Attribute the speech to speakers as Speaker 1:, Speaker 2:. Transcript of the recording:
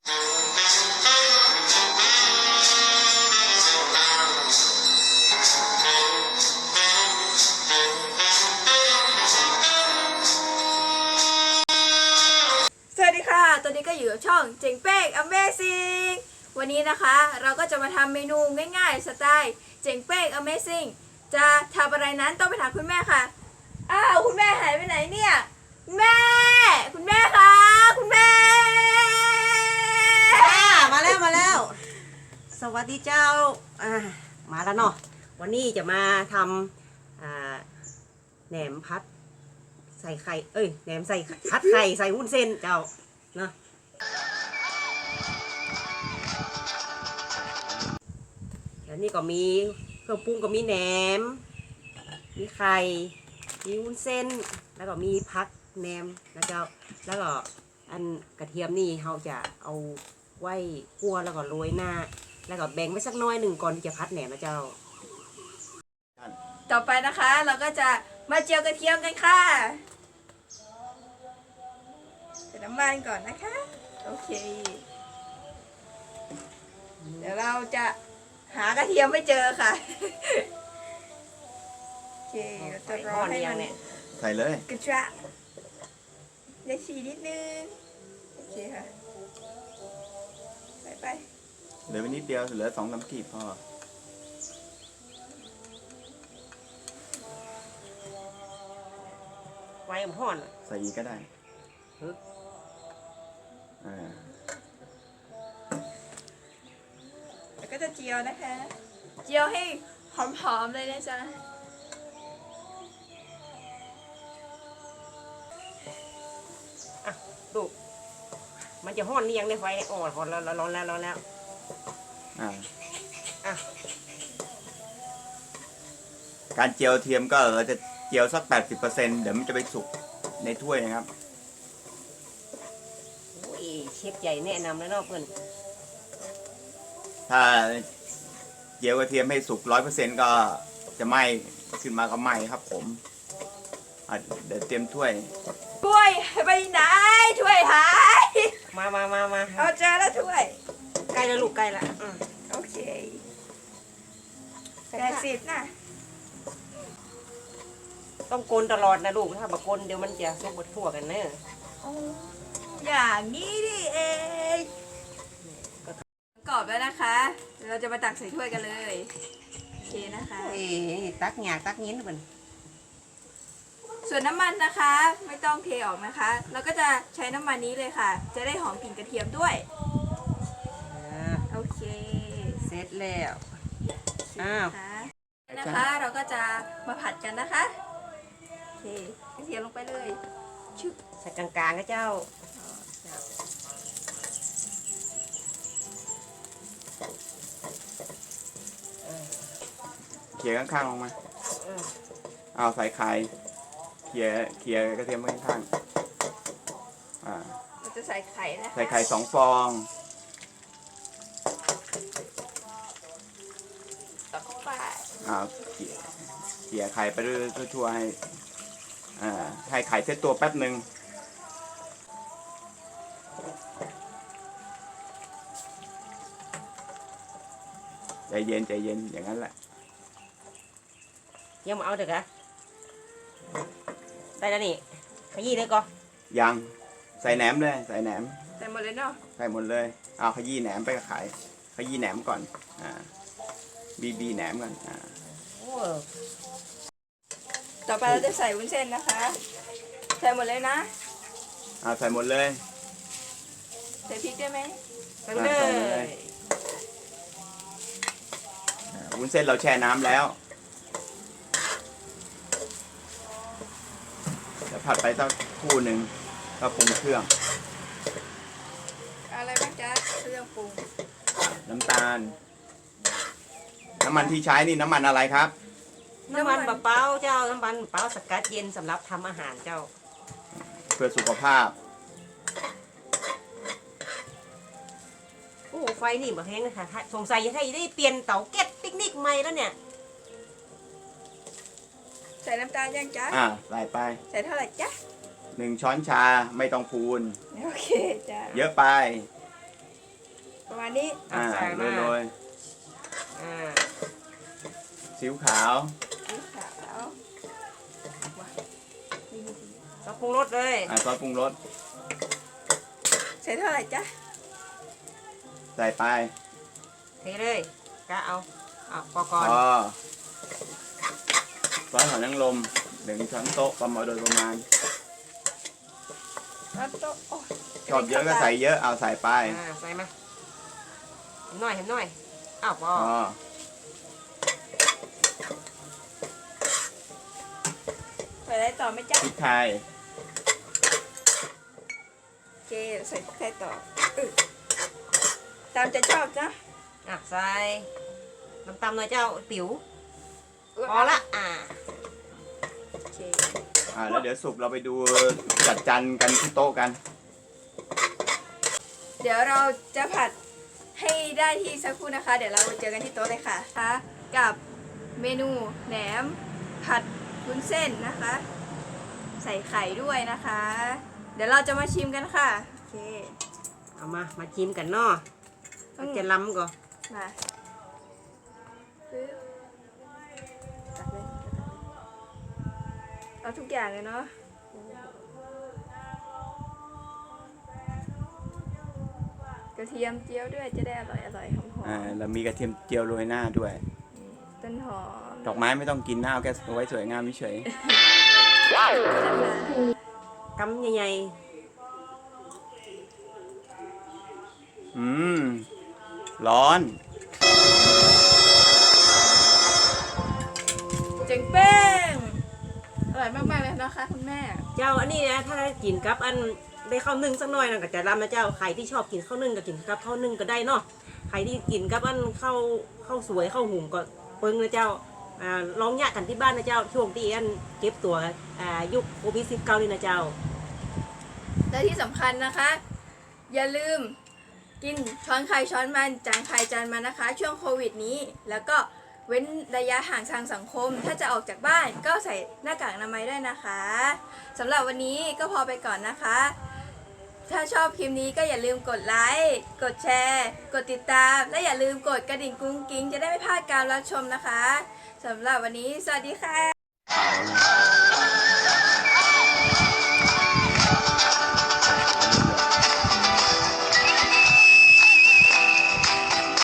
Speaker 1: สวัสดีค่ะตอนนี้ก็อยู่กับช่องเจ๋งเป้ง Amazing วันนี้นะคะเราก็จะมาทำเมนูง่ายๆสไตล์เจ๋งเป้ง Amazing จะทำอะไรนั้นต้องไปถามคุณแม่ค่ะอ้าวคุณแม่หายไปไหนเนี่ยคุณแม่คะคุณแม่
Speaker 2: มาแล้วสวัสดีเจ้ามาแล้วเนาะวันนี้จะมาทำแหนมพัดใส่ไข่แหนมใส่พัดไข่ใส่วุ้นเส้นเจ้าเนาะแล้วนี่ก็มีเครื่องปรุงก็มีแหนมมีไข่มีวุ้นเส้นแล้วก็มีพักแหนมนะเจ้าแล้วก็อันกระเทียมนี่เราจะเอาไว้คั่วแล้วก็โรยหน้าแล้วก็แบ่งไว้สักน้อยหนึ่งก่อนที่จะพัดแหนมนะเจ้า
Speaker 1: ต่อไปนะคะเราก็จะมาเจียวกระเทียมกันค่ะใส่น้ำมันก่อนนะคะโอเคเดี๋ยวเราจะหากระเทียมไม่เจอค่ะโอเคเราจะรอให้มัน
Speaker 3: ใส่เลย
Speaker 1: กระชากได้ฉีดนิดนึงโอเคค่ะไป
Speaker 3: เหลือไปนิดเดียวเหลือ2-3 กีบพอ
Speaker 2: ไว้ห่อน
Speaker 3: ใส่อีกก็ได้
Speaker 1: แล้วก็จะเจียวนะคะเจียวให้หอมๆเลยนะจ๊ะ
Speaker 2: ดูมันจะห่อนนี่ยังในไฟอ่อนห่อนแล้วร้อนแล้ว
Speaker 3: การเจียวเทียมก็เราจะเจียวสัก 80% เดี๋ยวมันจะไปสุกในถ้วยนะครับ
Speaker 2: เชฟใหญ่แนะนำแล้วเนาะเพื่อน
Speaker 3: ถ้าเจียวกระเทียมให้สุก 100% ก็จะไหม้ขึ้นมาก็ไหม้ครับผมเดี๋ยวเตรียมถ้วย
Speaker 1: ไปไหนถ้วยหาย
Speaker 2: มา
Speaker 1: เอาเจอแล้วถ้วย
Speaker 2: ใกล้แล้วลูกใกล้ละ
Speaker 1: โอเค80นะ
Speaker 2: ต้องโกนตลอดนะลูกถ้าบะโกนเดี๋ยวมันจะสุกบดทั่วกันเนอะ
Speaker 1: อย่างนี้ดิเองกรอบแล้วนะคะเราจะมาตักใส่ถ้วยกันเลยโอเคนะคะ
Speaker 2: ตักหยาตักยิ้นเหมือน
Speaker 1: ส่วนน้ำมันนะคะไม่ต้องเทออกนะคะเราก็จะใช้น้ำมันนี้เลยค่ะจะได้หอมกลิ่นกระเทียมด้วยโอเค
Speaker 2: เสร็จแล้ว
Speaker 1: นะคะเราก็จะมาผัดกันนะคะโอเคกระเทียมลงไปเลย
Speaker 2: ใส่กลางๆนะเจ้า
Speaker 3: เขี่ยข้างๆลงมาเอาใส่ไข่เขี่ยกระเทียมไว้ข้าง
Speaker 1: เราจะใส่ไข่นะคะ
Speaker 3: ใส่ไข่2 ฟอง
Speaker 1: ต่อเข้าไป
Speaker 3: เขี่ยไข่ไปเรื่อยๆทั่วๆให้ไข่เซตตัวแป๊บหนึ่งใจเย็นอย่างนั้นแหละ
Speaker 2: ยังมาเอาเด็กอะได้แล้วนี่ขยี้เลยก็
Speaker 3: ยังใส่แหนมเลยใส่แหนม
Speaker 1: ใส่หมดเลยเนาะ
Speaker 3: ใส่หมดเลยเอาขยี้แหนมไปกับไข่ขยี้แหนมก่อนบีแหนมก่อน
Speaker 1: ต่อไปเราจะใส่วุ้นเส้นนะคะใส่หมดเลยนะ
Speaker 3: ใส่หมดเลย
Speaker 1: ใส่พริกได้ไหม
Speaker 2: ใส่เลย
Speaker 3: วุ้นเส้นเราแช่น้ำแล้วเดี๋ยวผัดไปสักครู่หนึ่งก็ปรุงเครื่อง
Speaker 1: อะไรบ้างจ๊ะเครื่องปรุง
Speaker 3: น้ำตาลน้ำมันที่ใช้นี่น้ำมันอะไรครับ
Speaker 2: น้ำมันมะพร้าวเจ้าน้ำมันมะพร้าวสกัดเย็นสำหรับทำอาหารเจ้า
Speaker 3: เพื่อสุขภาพ
Speaker 2: โอ้ไฟนี่แบบแห้งเลยค่ะสงสัยจะได้เปลี่ยนเตาแก๊สปิกนิกใหม่แล้วเนี่ย
Speaker 1: ใส่น้ำตาลยังจ๊ะ
Speaker 3: ใส่ไป
Speaker 1: ใส่เท่าไหร่จ๊ะ
Speaker 3: 1 ช้อนชาไม่ต้องพูน
Speaker 1: โอเคจ้ะ
Speaker 3: เยอะไป
Speaker 1: ณนี้
Speaker 2: ใส่มา
Speaker 3: โรย
Speaker 2: อ่า
Speaker 3: ซีอิ๊วขาว
Speaker 1: สีขาวว้าวนี่
Speaker 2: ซอสปรุงรสเลย
Speaker 3: ซอสปรุงรส
Speaker 1: ใส่เท่าไหร่จ๊ะ
Speaker 3: ใส่ไป
Speaker 2: เทเลยกะเอาพอก่อน
Speaker 3: พอซอสหอยนางรม1 ช้อนโต๊ะประมาณโดยประมาณ
Speaker 1: แล้วก็โอ้
Speaker 3: ชอบเยอะก็ใส่เยอะเอาใส่ไป
Speaker 2: ใส่มาเห็นหน่อยพอ
Speaker 3: พอ
Speaker 1: ใส่อะไรต่อไหมจ๊ะ
Speaker 3: พริกไทย
Speaker 1: โอเคใส่พริกไทยต่อตามใจชอบนะ
Speaker 2: ใส่น้ำตาลหน่อยเจ้าติ๋วพอละ
Speaker 1: โอเค
Speaker 3: แล้วเดี๋ยวสุกเราไปดูจัดจานกันที่โต๊ะกัน
Speaker 1: เดี๋ยวเราจะผัดให้ได้ที่สักครู่นะคะ เดี๋ยวเราเจอกันที่โต๊ะเลยค่ะกับเมนูแหนมผัดวุ้นเส้นนะคะ ใส่ไข่ด้วยนะคะ เดี๋ยวเราจะมาชิมกันค่ะโอเค
Speaker 2: เอามาชิมกันเนาะจะล้ำก่อน
Speaker 1: มาปึ๊บตักเลยเอาทุกอย่างเลยเนาะกระเทียมเจียวด้วยจะได้อร่อยหอม
Speaker 3: เรามีกระเทียมเจียวโรยหน้าด้วย
Speaker 1: ๆต้นหอม
Speaker 3: ดอกไม้ไม่ต้องกินหน้าเอาแค่เอาไว้สวยงามเฉย
Speaker 2: กำใหญ่
Speaker 3: ร้อน
Speaker 1: เจ๋งเป้งอร่อยมากๆเลยนะคะคุณแม่
Speaker 2: ๆเจ้าอันนี้นะถ้าได้กินกับอันได้ข้าวนึ่งสักหน่อยนะก็จะล้ำนะเจ้าใครที่ชอบกินข้าวนึ่งก็กินกับข้าวนึ่งก็ได้เนาะใครที่กินกับอันข้าวสวยข้าวหุงก็เปิ้งนะเจ้าลองยะกันที่บ้านนะเจ้าช่วงที่อันเก็บตัวยุคโควิด-19นี่นะเจ้า
Speaker 1: และที่สำคัญนะคะ อย่าลืมกินช้อนใครช้อนมันจานใครจานมันนะคะ ช่วงโควิดนี้ แล้วก็เว้นระยะห่างทางสังคม ถ้าจะออกจากบ้านก็ใส่หน้ากากอนามัยด้วยนะคะสำหรับวันนี้ก็พอไปก่อนนะคะ ถ้าชอบคลิปนี้ก็อย่าลืมกดไลค์กดแชร์ กดติดตาม และอย่าลืมกดกระดิ่งกุ้งกิ้งจะได้ไม่พลาดการรับชมนะคะสำหรับวันนี้สวัสดีค่ะ